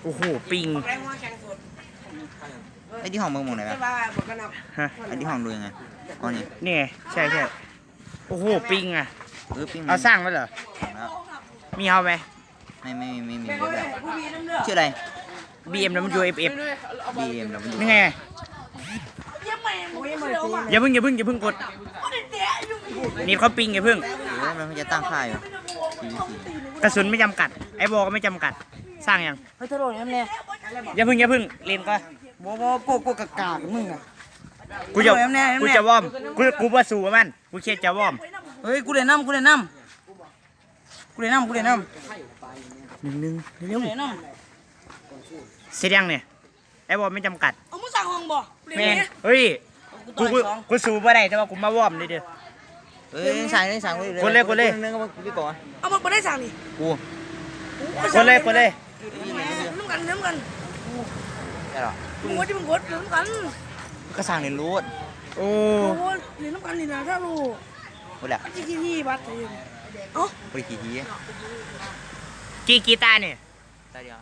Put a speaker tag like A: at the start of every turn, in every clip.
A: โอ้โหปิง
B: ไอ้ที่ห้องมึงมองไหนวะ
A: ฮะ
B: ไอ้ที่ห้องดูยังไงอ๋อนี่
A: นี่ไงใช่โอ้โหปิงอ่ะ
B: ปิ้ง
A: เอาสร้างไว้เหรอ
B: แล้ว
A: มีเอาไหม
B: ไม่มีเยอะแบบชื่ออะไร
A: BMW FF
B: BMW
A: นี่ไงอย่าเพิ่งกดนี่เขาปิงอย่าเพิ่ง
B: มันจะตั้งค่ายอยู่
A: กระสุนไม่จำกัดไอ้บอก็ไม่จำกัดสร้างยัง
C: เฮ้ยทะเลาะกันเนี่ย
A: อย่าเพิ่งเล่นก็
C: โกกากามึงอ่ะ
A: กูจะวอร์มกูว่าสู้มันกูแค่จะวอร์ม
C: เฮ้ยกูเล่นน้ำ1เร็ว
A: เสร็จยังเนี่ยไอ้บอไม่จำกัด
C: เอามึงสั่งห้องบ่
A: แม่เฮ้ยกูสู้บ่ได้แต่ว่ากูมาวอร์มเลยเด้อ
B: เฮ้ยสั่งเลย
A: กดเลย
B: นึงก็พี่ก่อน
C: เอามึงไม่ได้สั่งนี่
B: กู
A: กดเลย
C: น้ำกัน
B: ได้หรอ
C: มึงว่าที่มึงกดน้ำกัน
B: ก็สั่งในรูด
A: โอ้
C: เรียนน้ำกันนี่นะถ้ารู้
B: กูแหละ
C: ที่บัตรเอ้า
B: ไปกี่ที
A: กี่ตาเนี่ย
B: ตาเดียว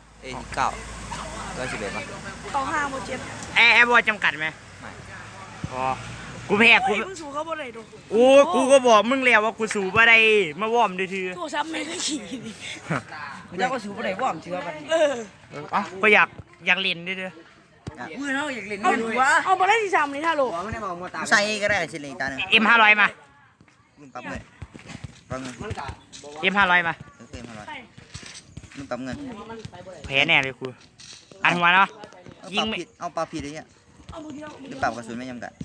B: 9 11ป่ะ
C: 5โม7
A: ไอ้บอจำกัดไหม
B: ไม่
A: อ๋อกูแพ้กู
C: มึงสู้เขาบ่ได้ดอก
A: โอ้กูก็บอกมึงแล้วว่ากูสู้บ่ได้มาวอร์มดื้อ
C: โทรศัพท์แม่ก็ขี่ดิ
B: มึงจะก็สู้บ่ได้ว่ามเชื่อป่ะ
A: อ๋อก็อยากเล่นดื้อ
C: มือเนาะอยากเล่นกันวะเอาบ่ได้ที่3นี่ถ้าโล
B: ใส่ก็ได้ชิ้นเล็กตานึง
A: M500 มา
B: มึงปั๊บเลยปั๊บเงิน
A: M500 มา
B: มึงปั๊บเงิน
A: แพ้แน่เลยกูอันหัวเนาะ
B: ยิงเอาปลาผิดเลยเนี่ยหรือปรับกระสุนไม่จำกัด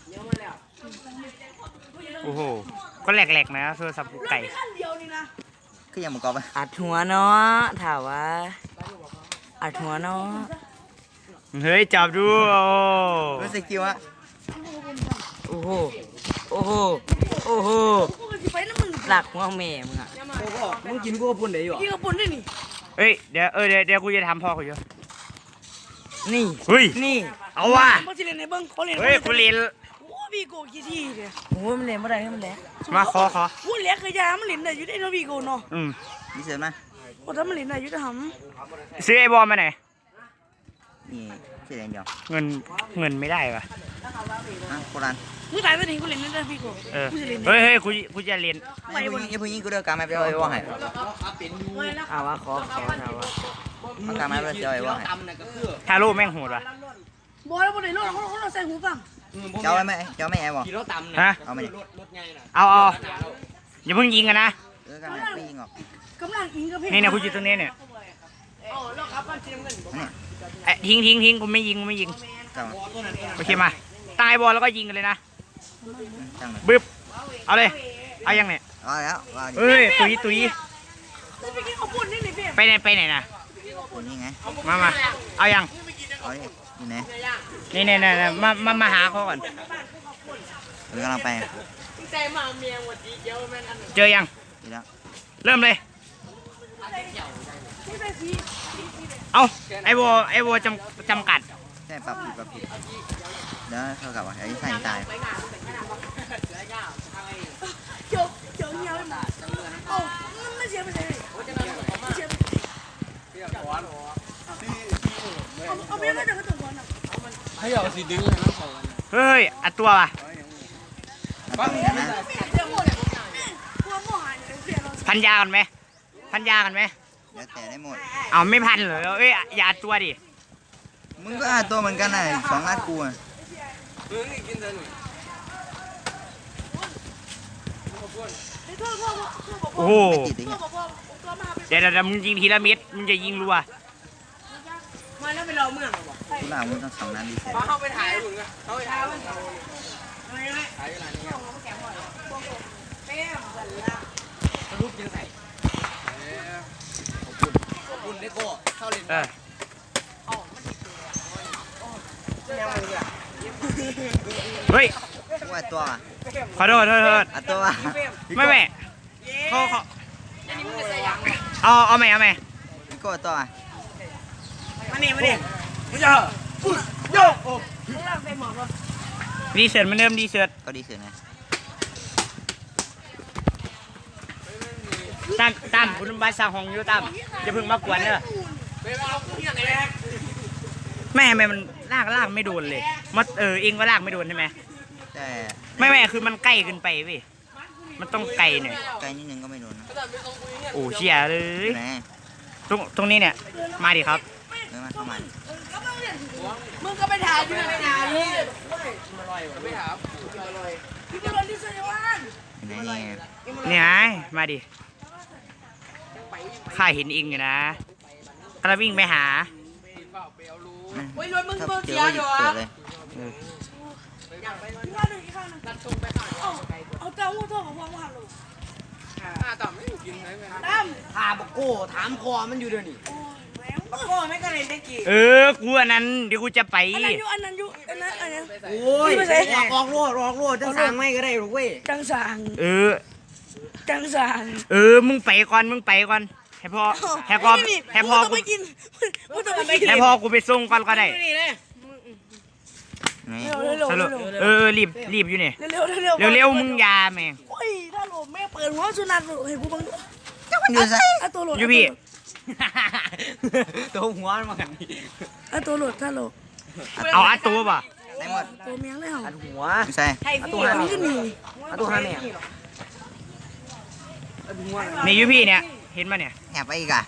A: โอ้โหก็แหลกๆนะโทรศัพท์กูไก่
B: คือยังมึงกอบไป
C: อัดหัวเนาะถามว่าอัดหัวเนาะ
A: เฮ้ยจับดู
B: รู้สึกคิวฮะ
C: โอ้โหหลักหัวแม่มึงอ่ะ
B: มึงกินกูปุ่นได้อยู่
C: กินกูปุ่นได้นี่
A: เฮ้ยเดี๋ยวกูจะทำพ่อกูเยอะ
C: นี่
A: เฮ้ย
C: นี่
A: เอาว่ะเฮ้ยกูเล่น
C: โอ้วีโก้กี่ทีเนี่ยโอ้มันเล่นไม่ได้มันแหลก
A: มาขอ
C: โอ้แหลกเคยยามันเล่นได้อยู่ได้นะวีโก้เนาะ
B: นี่เสร็จไหม
C: โอ้ถ้ามันเล่นได้อยู่จะห
A: ำซื้อไอ้บอลมาไหน
B: นี่เสร็จเดียว
A: เงินไม่ได้ปะ
B: โคราณ
C: มึงตายไปถึงกูเล่นได้วีโก้
A: เฮ้ยกูจะเล่น
B: อย่าพึ่งยิงกูเด้อการไม่ไปเอาไอ้ว่าให้
C: เอาวะขอเอาวะ
B: การไม่ไปเอาไอ้ว่าให้
A: ทาโร่แม่งโหดว่ะ
C: บอลแล้วบอลไหนรถเขาใส่หูฟัง
B: เจ้าไม่ไอ้บอก
A: ฮะ
B: เอาไม่
A: เอาอย่าเพิ่งยิงกันนะ
B: กันไม่ยิงหรอก
C: กำลังยิงกับเพชร
A: นี่กูอยู่ตรงนี้เนี่ยทิ้งกูไม่ยิงโอเคมาตายบอลแล้วก็ยิงกันเลยนะบึ๊บเอาเลยเอายังเนี่ย
B: เอาแล้ว
A: เฮ้ยตุยไปไหนนะ
B: นี่ไง
A: มาเอายัง
B: เอาดิอยู่ไหน
A: นี่มาหาเขาก่อน
B: กำลังไป
A: เจอยังเริ่มเลยเอาไอ้โบจำกัด
B: ใช่ปรับผิดเดี๋ยวเท่ากับว่าไอ้ใส่ตาย
C: เจอเงี้ยเลยโอ้ไม่เสียไปเลยเอาไปก็จะกระตุ้นบอลอ่ะ
D: ให้เอาสีดึงให้น้ำเขา
A: เฮ้ยอัดตัวป่ะพันยากันไหม
B: แล้วแต่ได้หมด
A: เอาไม่พันเหรอเอ้ยอย่าอัดตัวดิ
B: มึงก็อัดตัวเหมือนกันน่ะ2 อัดกูอ่ะ
A: โอ้โหเดี๋ยวมึงยิงทีละเม็ดมึงจะยิงรัว
C: มาแล้วไปรอเมือง
B: กูหลังมึงต้อง2 นัดดีเสร็จ
D: เขาไปถ่ายหุ่นกันเขาไปถ่ายหุ่นถ่ายอะไรเนี่ยรูปยังใส่ขอบคุณได้โก้เข้าเล่น
A: เฮ้ย
B: กูอัดตัว
A: ขอโทษ
B: อัดตัว
A: ไม่เขาเอาใหม่
B: พี่โก้ตัว
C: มานี่มึงจะโยก
A: ดีเสิร์ตมันเริ่มดีเสิร์ต
B: ก็ดีเสิร์ตไง
A: ตั้มคุณบาสร้างห้องอยู่ตั้มจะพึ่งมากวนเนอะแม่ทำไมมันลากไม่โดนเลยมันเองก็ลากไม่โดนใช่ไหม
B: แต่
A: ไม่คือมันใกล้เกินไปเว้ยมันต้องไกลหน่อย
B: ไกลนิดนึงก็ไม่โดนนะ
A: โอ้เชี่ยเลย
B: ไหน
A: ตรงนี้เนี่ยมาดิครับ
B: เดินมาเข้ามาดิ
C: มึงก็ไปถ่ายด้วยนะนี่
D: ไม่ถาม
C: พี่ก็รอที่สยาม
B: ไหนนี่
A: เนี่ยมาดิข้าเห็นเองอยู่นะกำลังวิ่งไปหา
C: โอ้ยรถมึง
B: ถ้า
C: เปิด
B: เจ
C: เสี
B: อย ก็ห
C: อ
B: ยุ
C: ยู่
B: ด
C: อ่ะ
B: เปิดเลย
C: อีกข้างหนึ่งเอาเต้าหู้ทอดกับความหวานลง
D: ต่ำไม่กินเลยไหม
C: ตั้ม
D: ถามโก้ถามคอมันอยู่เดี๋ยวนี้
C: โอ้ยแหวว
D: โก้ไม่ก็เลยได้กี่
A: กูอันนั้นเดี๋ยวกูจะไป
C: อันนั้นอยู่อันนั้น
D: โอ้ยออกโลดจะสั่งไม่ก็ได้หรอกเว้ย
C: จังสาง จังสาง
A: มึงไปก่อนให้พ่อ
C: มึงต้องไปกินมึงต้องไปกิน
A: ให้พ่อกูไปส่งก่อนก็ได้
D: นี่เลย
B: ไหน
C: เร็ว
A: สรุปรีบอยู่นี่
C: เร็ว
A: มึงยาแม่ง
C: โอ้ยถ้าโหลแม่เปิดหัวสุนัขให้กูบัง
B: มันอยู่ไส
C: อ่ะตัวโหลด
A: อยู่พี่
D: ตัวหัวมันกัน
C: อ่ะตัวโหลดถ้าโหลด
A: เอาอัดตัวป่ะ
B: ไหนหมด
C: ตัวเมียงเลยเหรอ
D: หัว
B: อยู่ไส
D: ตัว
C: มันก็หนี
D: ตัวห้าเนี่ย
A: นี่อยู่พี่เนี่ยเห็นป่ะเนี่ย
B: แอบไปอีกอ่ะ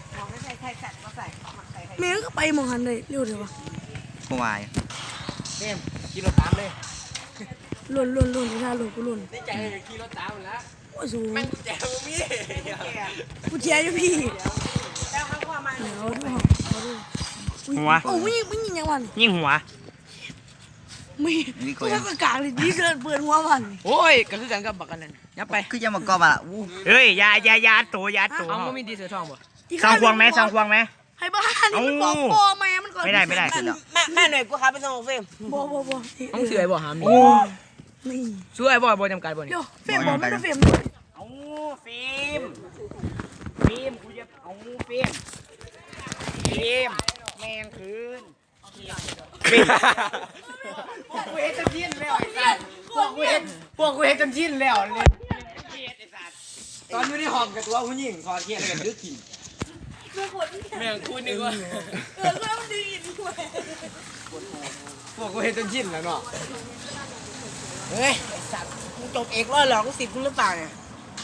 C: แม่ก็ไปมองหันเลยเร็วเดี๋ยววะ
B: กูวาย
D: เกมกินรถตามเลย
C: ล่นถ้าโหลดกูล่น
D: ในใจกินรถตามแล้ว
C: โอ้ยสูง
D: แม่งแจ๋วมี
C: กูเชียร์อยู่พี่
D: แล้วข้างว่ามัน
C: เดี๋ยวดูเอาดู
A: หัว
C: โอ้ยมึงยิงยังวัน
A: ยิงหัว
C: ไม่กูก็กากเลยดีเกินเปิดหัววัน
D: โอ้ยก็คือกันกับบักกันนั่นยับไป
B: คือจะมากอบอ่ะอู้
A: เฮ้ยยาตัว
D: เอาไม่มีดีเสือทองป่ะ
A: สองควงไหม
C: ให้บ้านนี่มันบอกพ่อแม่มันก่อน
A: ไม่ได้
D: แม่หน่อยกูครับไปส่งเฟม
C: บ่
D: ต้องเสือบ่หาม
A: โอ้
C: นี่
D: ช่วยบ่จำกัดบ่นี่
C: เดี๋ยวเฟรมบอกมันจะเฟรม
A: เอาฟิล์มกูจะเอาฟิล์มแมงคืน
D: พวกกูเฮ็ดจนชินแล้วไอ้สัสพวกกูเฮ็ดจนชินแล้วเนี่ยตอนอยู่ในห้องกับตัวผู้หญิงคอเทียนกันดึกกิน แม่งพูดนึกว่า
C: แล้วดีด้วย
D: พวกกูเฮ็ดจนชินแล้วเนาะเฮ้ยไอ้สัตว์กูจบเอกร้อยหรอกกู10กูหรือเปล่าเนี่ย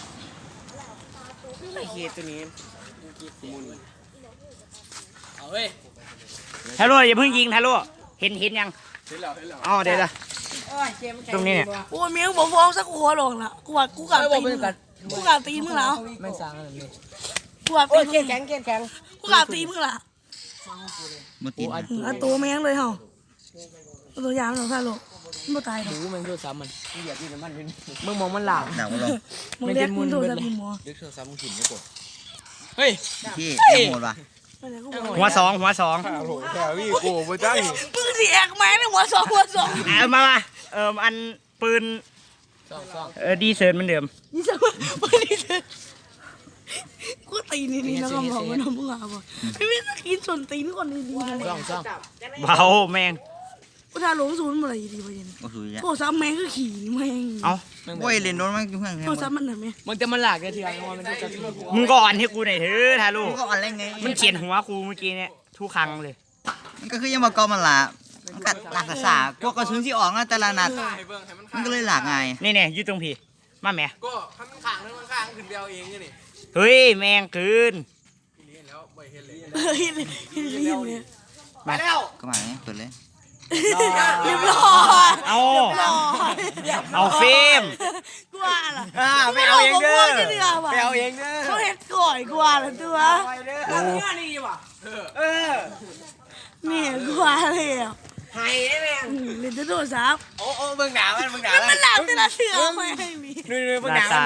D: ไอ้เฮียตัวนี้กูกินมูลเอาเว้ย
A: ทาโร่อย่าเพิ่งยิงทาโร่เห็นยัง
D: เห็นแล้ว
A: อ๋อเดี๋ยว ตรงนี้เนี่ย
C: โอ้เมียบอกฟ้องสักหัวหลงละกูว่ากูกาตีมึงกูกาตีมึงแล้ว
D: ไม่สร้างอะไรเลย
C: กูกา
D: โอ้
C: ตี
D: ยแข็ง
C: กูกาตีมึงละ
B: มากิน
C: อ่ะตัวแม่งเลยเหรอตัวยางหรอท่าโลไม่ตายหรอก
D: ดูมันโทรศัพท์มันเหยียบที่มันมึงมองมันหลาบ
B: หนักมาลง
C: มึงเรียกมึงโทรศัพท์มึงหมอ
D: เด็กโทรศัพท์มึงถิ่นไม่กดเฮ้ย
B: พี่ไอ้โหดว่ะ
A: หัวสอง
D: โอ้โหแถวพี่กูไม่ได้
C: มึงสิแอกแม่งหัวสอง
A: มาอันปืน
D: สอง
A: ดีเซิร์นเหมือนเดิม
C: นี่จะมึงนี่จะกูตีนี่แล้วก็บอกว่าน้องมึงอ่ะบอกไม่ต้องกินส่วนตีนก่อนดีๆนะ
D: สอง
A: เบาแมง
C: กูทาหลงศูนย์อะไรดีวะยัน
B: โอ้โหย
C: โทรศัพท์แม่งคือขี่แม่ง
A: เอา
B: โอ้ยเล่นโดนมันเพื่อน
C: โทรศัพท์มันไหนแม่
D: มันจะมาหลากได้ทีไรมันจะ
A: มึงก็อ่อนให้กูหน่อยเถอะทาโร่
B: มันก็อะไรไง
A: มันเฉียนหัวกูเมื่อกี้เนี่ยทุกครั้งเลย
B: มันก็คือยังมากอบมันละมันกัดหลักษาพวกกระสุนที่ออกนะแต่ละนัดมันก็เลยหลากไง
A: นี่อยู่ตรงพี่มาแม่
D: ก็ทำมันข้างนึงมันข้างขึ้นเดียวเองนี่
A: เฮ้ยแมงคืน
D: นี่แล้วไม่เห็นเลย
C: เฮ้ยเนี่ย
D: ไปแล้ว
B: ก็มาเนี่ยเปิดเลย
C: เรียบร้อย
A: เอาฟิล์ม
C: กูว่าล่ะ
D: ไปเอาเองเด้อ
C: ไป
D: ไปเอาเองเด้อ
C: เขาเห็ดก่อยกูว่าล่ะตัว
D: ไปเด้อนี่ว่ะเออ
C: นี่กูว่าเลยอ่ะ
D: หายได้ไหม
C: เล่นโทรศัพท์
D: โอ้เบิ่งหนามัน
C: มันหลังแต่ละเสือไม่ให้มี
D: ดูเบิ่งหนา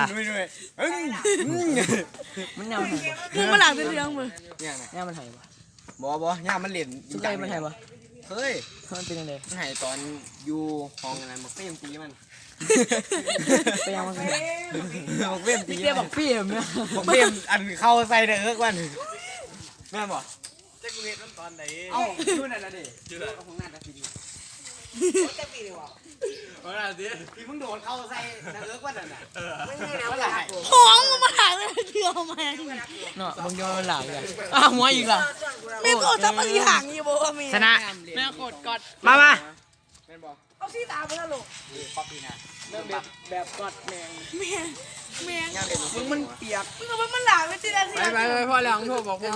D: มันยำ
C: มึงมาหลังแต่เรื่องมึง
D: ย่ามันหายปะบ่ย่ามันเหรียญสุดใจมันหายปะเฮ้ยมันเป็นยังไงมันหายตอนอยู่ห้องอะไรมาเฟ้มตีมันไปยังมันบอกเฟ้มตีบอกเฟ้มเนี่ยบอกเฟ้มอันเข้าใส่เด้อวันแม่บอกจะกูเห็นตอนไหนเอ้าดูนั่นน่ะดิดูแล้วของหน้าตาดีจะปีดีวะโอ้ยดิพี่มึงโดนเข้าใส่เด้อวันนั้นน่ะไม่ใช่นะว่า
C: ห้องมึงมาหลังแต่ละเสือแม่ง
D: เนาะบางทีมันหลังเลยอ้าวหัวอีกล่ะ
C: แม่โคตรทับปฏิหารอยู่บอกว่าแม่
A: ชนะ
D: แม่โคตรกอด
A: มา
D: แม่นบอก
C: เอาซี่ตาไปแล้วลูก
D: เริ่มแบบกอดแมง
C: แม่
D: มึงมันเปียก
C: มึงเอามันหลาไม่ใช่นาที
D: ไปพ่อแล้วโทษบอก